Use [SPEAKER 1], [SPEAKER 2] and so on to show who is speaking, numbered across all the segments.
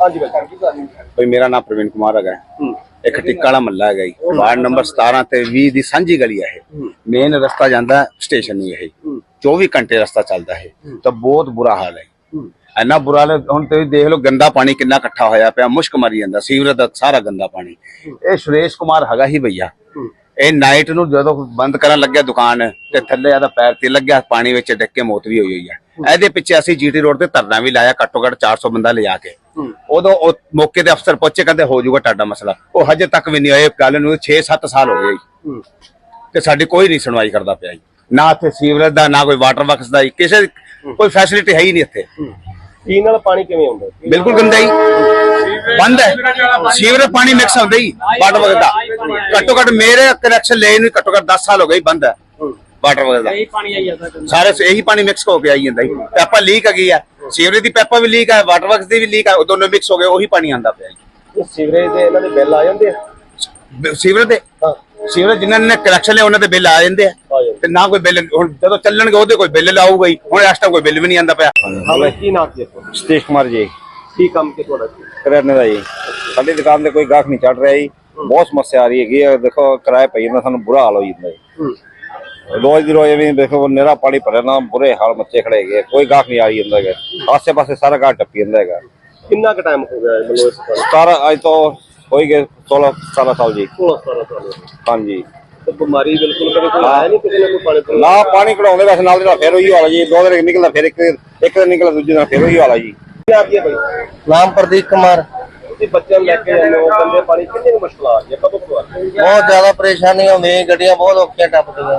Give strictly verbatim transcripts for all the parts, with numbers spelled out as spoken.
[SPEAKER 1] ਹਾਂਜੀ ਭਾਈ
[SPEAKER 2] भाई मेरा नाम प्रवीण कुमार है। एक टिक्का वाला महला है जी, वार्ड नंबर सतारह ते बीस दी सांझी गली है। मेन रस्ता जाता स्टेशन नहीं है, चौबीस घंटे रस्ता चलता है। तो बहुत बुरा हाल है, इन्ना बुरा हाल है। हुण तुसीं देख लो गंदा पानी कितना इकट्ठा होया पिया, मुश्क मरी जांदा, सीवरेज दा सारा गंदा पानी। ये सुरेश कुमार हैगा ही भैया, ਇਹ ਨਾਈਟ ਨੂੰ ਜਦੋਂ ਬੰਦ ਕਰਨ ਲੱਗਿਆ ਦੁਕਾਨ ਤੇ ਥੱਲੇ ਆਦਾ ਪੈਰ ਤੇ ਲੱਗਿਆ ਪਾਣੀ ਵਿੱਚ ਡਿੱਗ ਕੇ ਮੌਤ ਵੀ ਹੋਈ ਹੋਈ ਹੈ। ਇਹਦੇ ਪਿੱਛੇ ਅਸੀਂ ਜੀਟੀ ਰੋਡ ਤੇ ਧਰਨਾ ਵੀ ਲਾਇਆ, ਘੱਟੋ ਘੱਟ ਚਾਰ ਸੌ ਬੰਦਾ ਲਿਜਾ ਕੇ। ਉਦੋਂ ਉਹ ਮੌਕੇ ਤੇ ਅਫਸਰ ਪਹੁੰਚੇ, ਕਹਿੰਦੇ ਹੋ ਜਾਊਗਾ ਤੁਹਾਡਾ ਮਸਲਾ। ਉਹ ਹਜੇ ਤੱਕ ਵੀ ਨਹੀਂ ਹੋਏ, ਗੱਲ ਨੂੰ ਛੇ ਸੱਤ ਸਾਲ ਹੋ ਗਏ ਤੇ ਸਾਡੀ ਕੋਈ ਨਹੀਂ ਸੁਣਵਾਈ ਕਰਦਾ ਪਿਆ ਜੀ। ਨਾ ਇੱਥੇ ਸੀਵਰੇਜ ਦਾ, ਨਾ ਕੋਈ ਵਾਟਰ ਵਰਕਸ ਦਾ, ਕਿਸੇ ਕੋਈ ਫੈਸਿਲਿਟੀ ਹੈ ਹੀ ਨਹੀਂ ਇੱਥੇ।
[SPEAKER 1] ਪੀਣ ਵਾਲਾ ਪਾਣੀ ਕਿਵੇਂ ਆਉਂਦਾ?
[SPEAKER 2] ਬਿਲਕੁਲ ਗੰਦਾ ਹੀ ਬੰਦ ਹੈ, ਸੀਵਰੇਜ ਪਾਣੀ ਮਿਕਸ ਹੁੰਦਾ ਹੀ ਵਾਟਰ ਵਰਕਸ ਦਾ। ਘੱਟੋ ਘੱਟ ਮੇਰੇ ਕਨੈਕਸ਼ਨ ਲੈ ਨੂੰ ਘੱਟੋ ਘੱਟ ਦਸ ਸਾਲ ਹੋ ਗਏ ਬੰਦ ਹੈ ਵਾਟਰ ਵਰਕਸ ਦਾ। ਸਾਰੇ ਇਹੀ ਪਾਣੀ ਮਿਕਸ ਹੋ ਕੇ ਆਈ ਜਾਂਦਾ ਜੀ। ਪੈਪਾ ਲੀਕ ਹੈਗੀ ਆ, ਸੀਵਰੇਜ ਦੀ ਪੈਪਾ ਵੀ ਲੀਕ ਹੈ, ਵਾਟਰ ਵਰਕਸ ਦੀ ਵੀ ਲੀਕ ਹੈ, ਦੋਨੋਂ ਮਿਕਸ ਹੋ ਗਏ, ਉਹੀ ਪਾਣੀ ਆਉਂਦਾ ਪਿਆ ਜੀ।
[SPEAKER 1] ਸੀਵਰੇਜ ਦੇ ਇਹਨਾਂ ਦੇ ਬਿੱਲ ਆ ਜਾਂਦੇ ਆ?
[SPEAKER 2] ਸੀਵਰੇਜ ਦੇ ਸੀਵਰੇਜ ਜਿਨ੍ਹਾਂ ਨੇ ਕਨੈਕਸ਼ਨ ਲਿਆ ਉਹਨਾਂ ਦੇ ਬਿੱਲ ਆ ਜਾਂਦੇ ਆ, ਤੇ ਨਾ ਕੋਈ ਬਿੱਲ ਹੁਣ ਜਦੋਂ ਚੱਲਣਗੇ ਉਹਦੇ ਕੋਈ ਬਿੱਲ ਲਾਊਗਾ ਹੀ। ਹੁਣ ਇਸ ਟਾਈਮ ਕੋਈ ਬਿੱਲ ਵੀ ਨਹੀਂ ਆਉਂਦਾ ਪਿਆ।
[SPEAKER 1] ਹਾਂ, ਕੀ ਨਾਮ ਜੀ ਤੁਹਾਡਾ?
[SPEAKER 3] ਸਤੀਸ਼ ਕੁਮਾਰ ਜੀ।
[SPEAKER 1] ਕੀ ਕੰਮ ਕਿ ਤੁਹਾਡਾ?
[SPEAKER 3] ਕਰਿਆਨੇ ਦਾ ਜੀ। ਸਾਡੀ ਦੁਕਾਨ ਤੇ ਕੋਈ ਗਾਹਕ ਨਹੀਂ ਚੜ ਰਿਹਾ ਜੀ, ਬਹੁਤ ਸਮੱਸਿਆ ਆ ਰਹੀ ਹੈਗੀ ਹੈ। ਦੇਖੋ ਕਿਰਾਏ ਪਈ ਜਾਂਦਾ, ਸਾਨੂੰ ਬੁਰਾ ਹਾਲ ਹੋ ਜਾਂਦਾ ਜੀ। ਰੋਜ਼ ਦੀ ਰੋਜ਼ ਐਵੇਂ ਦੇਖੋ ਨਿਹਰਾ ਪਾਣੀ ਭਰਿਆ ਨਾ, ਬੁਰੇ ਹਾਲ ਮੱਚੇ ਖੜੇ ਹੈਗੇ, ਕੋਈ ਗਾਹਕ ਨਹੀਂ ਆ ਰਹੀ ਜਾਂਦਾ ਹੈਗਾ। ਆਸੇ ਪਾਸੇ ਸਾਰਾ ਘਾਟ ਟੱਪੀ ਜਾਂਦਾ ਹੈਗਾ।
[SPEAKER 1] ਕਿੰਨਾ ਕੁ ਟਾਈਮ ਹੋ ਗਿਆ ਮਤਲਬ ਇਸ ਤਰ੍ਹਾਂ?
[SPEAKER 3] ਸਤਾਰਾਂ ਅੱਜ ਤੋਂ ਹੋਈ ਗਏ ਸੋਲਾਂ ਸਤਾਰਾਂ ਸਾਲ ਜੀ।
[SPEAKER 1] ਸੋਲਾਂ ਸਤਾਰਾਂ ਸਾਲ
[SPEAKER 3] ਹਾਂਜੀ।
[SPEAKER 1] ਤੇ ਬਿਮਾਰੀ ਬਿਲਕੁਲ ਕਦੇ ਕੋਈ ਆਇਆ ਨਹੀਂ ਕਿਸੇ ਨੇ ਕੋਈ ਪਾਣੀ ਤੋਂ?
[SPEAKER 3] ਨਾ ਪਾਣੀ ਕਢਾਉਂਦੇ ਵੈਸੇ ਨਾਲ ਜਿਹੜਾ ਫਿਰ ਉਹੀ ਹਾਲ ਜੀ। ਦੋ ਦਿਨ ਨਿਕਲਦਾ, ਫਿਰ ਇੱਕ ਇੱਕ ਦਿਨ ਨਿਕਲਦਾ, ਦੂਜੇ ਦਿਨ ਫਿਰ ਉਹੀ ਹਾਲ ਜੀ।
[SPEAKER 1] ਕੀ ਆ ਭਾਈ?
[SPEAKER 4] ਨਾਮ ਪ੍ਰਦੀਪ ਕੁਮਾਰ।
[SPEAKER 1] ਤੁਸੀਂ ਬੱਚਿਆਂ ਨੂੰ ਲੈ ਕੇ ਜਾਂਦੇ ਹੋ, ਗੰਦੇ ਪਾਣੀ ਕਿੰਨੀ ਮੁਸ਼ਕਲ ਆ ਰਹੀ ਹੈ, ਕਦੋਂ ਤੋਂ ਆ ਰਹੀ ਹੈ?
[SPEAKER 4] ਬਹੁਤ ਜ਼ਿਆਦਾ ਪਰੇਸ਼ਾਨੀ ਹੁੰਦੀ, ਗੱਡੀਆਂ ਬਹੁਤ ਔਖੀਆਂ ਟੱਪਦੀਆਂ।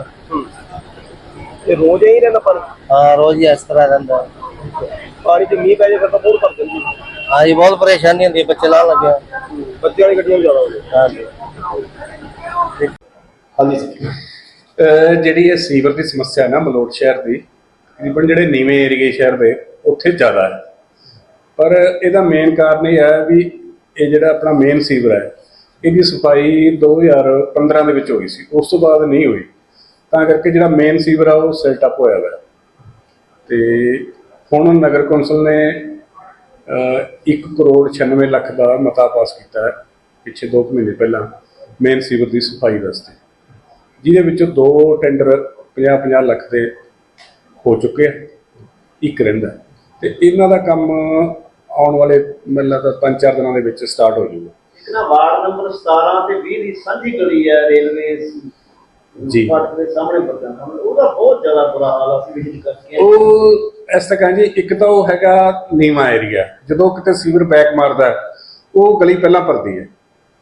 [SPEAKER 1] ਇਹ ਰੋਜ਼ ਹੀ ਰਹਿੰਦਾ ਪਾਣੀ?
[SPEAKER 4] ਹਾਂ, ਰੋਜ਼ ਹੀ ਇਸ ਤਰ੍ਹਾਂ ਰਹਿੰਦਾ
[SPEAKER 1] ਪਾਣੀ ਚ ਮੀਂਹ ਪੈ ਜਾਏ ਫਿਰ ਤਾਂ ਬਹੁਤ ਭਰ ਜਾਂਦੀ।
[SPEAKER 4] ਹਾਂ ਜੀ, ਬਹੁਤ ਪਰੇਸ਼ਾਨੀ ਹੁੰਦੀ, ਬੱਚੇ ਲਾਉਣ ਲੱਗਿਆ।
[SPEAKER 1] ਬੱਚਿਆਂ ਵਾਲੀ ਗੱਡੀਆਂ ਵੀ ਜ਼ਿਆਦਾ ਹੋ ਗਈਆਂ।
[SPEAKER 4] ਹਾਂਜੀ
[SPEAKER 1] ਹਾਂਜੀ।
[SPEAKER 5] ਜਿਹੜੀ ਇਹ ਸੀਵਰ ਦੀ ਸਮੱਸਿਆ ਨਾ ਮਲੋਟ ਸ਼ਹਿਰ ਦੀ, ਤਕਰੀਬਨ ਜਿਹੜੇ ਨੀਵੇਂ ਏਰੀਏ ਸ਼ਹਿਰ ਦੇ ਉੱਥੇ ਜ਼ਿਆਦਾ ਹੈ। ਪਰ ਇਹਦਾ ਮੇਨ ਕਾਰਨ ਇਹ ਹੈ ਵੀ ਇਹ ਜਿਹੜਾ ਆਪਣਾ ਮੇਨ ਸੀਵਰ ਹੈ, ਇਹਦੀ ਸਫਾਈ ਦੋ ਹਜ਼ਾਰ ਪੰਦਰਾਂ ਦੇ ਵਿੱਚ ਹੋਈ ਸੀ, ਉਸ ਤੋਂ ਬਾਅਦ ਨਹੀਂ ਹੋਈ। ਤਾਂ ਕਰਕੇ ਜਿਹੜਾ ਮੇਨ ਸੀਵਰ ਆ ਉਹ ਸੈਟ ਅਪ ਹੋਇਆ ਵਾ। ਤੇ ਹੁਣ ਨਗਰ ਕੌਂਸਲ ਨੇ ਇੱਕ ਕਰੋੜ ਛਿਆਨਵੇਂ ਲੱਖ ਦਾ ਮਤਾ ਪਾਸ ਕੀਤਾ ਹੈ ਪਿੱਛੇ ਦੋ ਕੁ ਮਹੀਨੇ ਪਹਿਲਾਂ ਮੇਨ ਸੀਵਰ ਦੀ ਸਫਾਈ ਵਾਸਤੇ, ਜਿਹਦੇ ਵਿੱਚੋਂ ਦੋ ਟੈਂਡਰ ਪੰਜਾਹ ਪੰਜਾਹ ਲੱਖ ਦੇ ਹੋ ਚੁੱਕੇ ਆ, ਇੱਕ ਰਹਿੰਦਾ। ਤੇ ਇਹਨਾਂ ਦਾ ਕੰਮ ਆਉਣ ਵਾਲੇ ਮੈਨੂੰ ਲੱਗਦਾ ਪੰਜ ਚਾਰ ਦਿਨਾਂ ਦੇ ਵਿੱਚ ਸਟਾਰਟ ਹੋ ਜਾਊਗਾ।
[SPEAKER 6] ਵਾਰਡ ਨੰਬਰ ਸਤਾਰਾਂ ਤੇ ਵੀਹ ਦੀ ਸਾਂਝੀ ਗਲੀ ਹੈ ਰੇਲਵੇ
[SPEAKER 5] ਜੀ
[SPEAKER 6] ਫਾਟਕ ਦੇ ਸਾਹਮਣੇ ਪਰਦਾ, ਉਹਦਾ ਬਹੁਤ ਜ਼ਿਆਦਾ ਬੁਰਾ ਹਾਲ ਆ। ਅਸੀਂ ਵਿਜ਼ਿਟ ਕਰਕੇ
[SPEAKER 5] ਉਹ ਇਸ ਤਰ੍ਹਾਂ ਜੀ, ਇੱਕ ਤਾਂ ਉਹ ਹੈਗਾ ਨੀਵਾਂ ਏਰੀਆ, ਜਦੋਂ ਕਿਤੇ ਸੀਵਰ ਬੈਕ ਮਾਰਦਾ ਉਹ ਗਲੀ ਪਹਿਲਾਂ ਭਰਦੀ ਹੈ।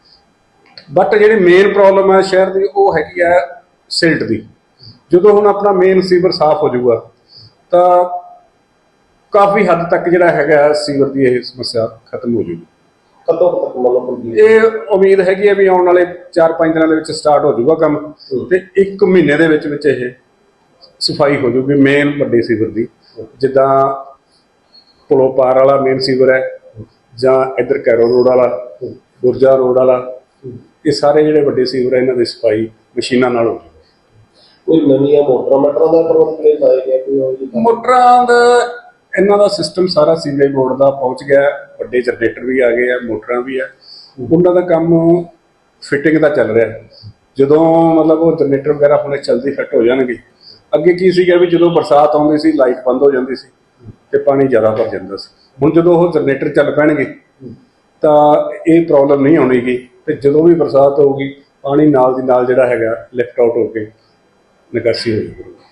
[SPEAKER 5] ਬਟ ਜਿਹੜੀ ਮੇਨ ਪ੍ਰੋਬਲਮ ਹੈ ਸ਼ਹਿਰ ਦੀ ਉਹ ਹੈਗੀ ਹੈ ਸਿਲਟ ਦੀ। ਜਦੋਂ ਹੁਣ ਆਪਣਾ ਮੇਨ ਸੀਵਰ ਸਾਫ਼ ਹੋ ਜਾਊਗਾ ਤਾਂ ਕਾਫੀ ਹੱਦ ਤੱਕ ਜਿਹੜਾ ਹੈਗਾ ਸੀਵਰ ਦੀ ਇਹ ਸਮੱਸਿਆ ਖਤਮ ਹੋ ਜਾਊਗੀ।
[SPEAKER 1] ਕਦੋਂ ਤੱਕ ਮਤਲਬ
[SPEAKER 5] ਇਹ ਉਮੀਦ ਹੈਗੀ ਹੈ ਵੀ ਆਉਣ ਵਾਲੇ ਚਾਰ ਪੰਜ ਦਿਨਾਂ ਦੇ ਵਿੱਚ ਸਟਾਰਟ ਹੋ ਜਾਊਗਾ ਕੰਮ, ਤੇ ਇੱਕ ਮਹੀਨੇ ਦੇ ਵਿੱਚ ਵਿੱਚ ਇਹ ਸਫਾਈ ਹੋ ਜਾਊਗੀ ਮੇਨ ਵੱਡੇ ਸੀਵਰ ਦੀ। ਜਿੱਦਾਂ ਪੁਲੋਂ ਪਾਰ ਵਾਲਾ ਮੇਨ ਸੀਵਰ ਹੈ, ਜਾਂ ਇੱਧਰ ਕੈਰੋ ਰੋਡ ਵਾਲਾ, ਗੁਰਜਾ ਰੋਡ ਵਾਲਾ, ਇਹ ਸਾਰੇ ਜਿਹੜੇ ਵੱਡੇ ਸੀਵਰ ਹੈ ਇਹਨਾਂ ਦੀ ਸਫਾਈ ਮਸ਼ੀਨਾਂ ਨਾਲ ਹੋ ਜਾਊਗੀ।
[SPEAKER 1] ਕੋਈ ਨਵੀਆਂ ਮੋਟਰਾਂ ਮਟਰਾਂ ਦਾ ਪ੍ਰਬੰਧ ਨਹੀਂ ਲਾਇਆ ਗਿਆ? ਕੋਈ
[SPEAKER 5] ਮੋਟਰਾਂ ਦਾ ਇਹਨਾਂ ਦਾ ਸਿਸਟਮ ਸਾਰਾ ਸੀਵਰੇਜ ਬੋਰਡ ਦਾ ਪਹੁੰਚ ਗਿਆ, ਵੱਡੇ ਜਨਰੇਟਰ ਵੀ ਆ ਗਏ ਆ, ਮੋਟਰਾਂ ਵੀ ਆ, ਉਹਨਾਂ ਦਾ ਕੰਮ ਫਿਟਿੰਗ ਦਾ ਚੱਲ ਰਿਹਾ। ਜਦੋਂ ਮਤਲਬ ਉਹ ਜਨਰੇਟਰ ਵਗੈਰਾ ਹੁਣੇ ਜਲਦੀ ਫਿੱਟ ਹੋ ਜਾਣਗੇ। ਅੱਗੇ ਕੀ ਸੀਗਾ ਵੀ ਜਦੋਂ ਬਰਸਾਤ ਆਉਂਦੀ ਸੀ ਲਾਈਟ ਬੰਦ ਹੋ ਜਾਂਦੀ ਸੀ ਤੇ ਪਾਣੀ ਜ਼ਿਆਦਾ ਭਰ ਜਾਂਦਾ ਸੀ। ਹੁਣ ਜਦੋਂ ਉਹ ਜਨਰੇਟਰ ਚੱਲ ਪੈਣਗੇ ਤਾਂ ਇਹ ਪ੍ਰੋਬਲਮ ਨਹੀਂ ਆਉਣੀਗੀ, ਤੇ ਜਦੋਂ ਵੀ ਬਰਸਾਤ ਹੋਊਗੀ ਪਾਣੀ ਨਾਲ ਦੀ ਨਾਲ ਜਿਹੜਾ ਹੈਗਾ ਲਿਫਟ ਆਊਟ ਹੋ ਕੇ ਨਿਕਾਸੀ ਹੋ ਜਾਊਗੀ।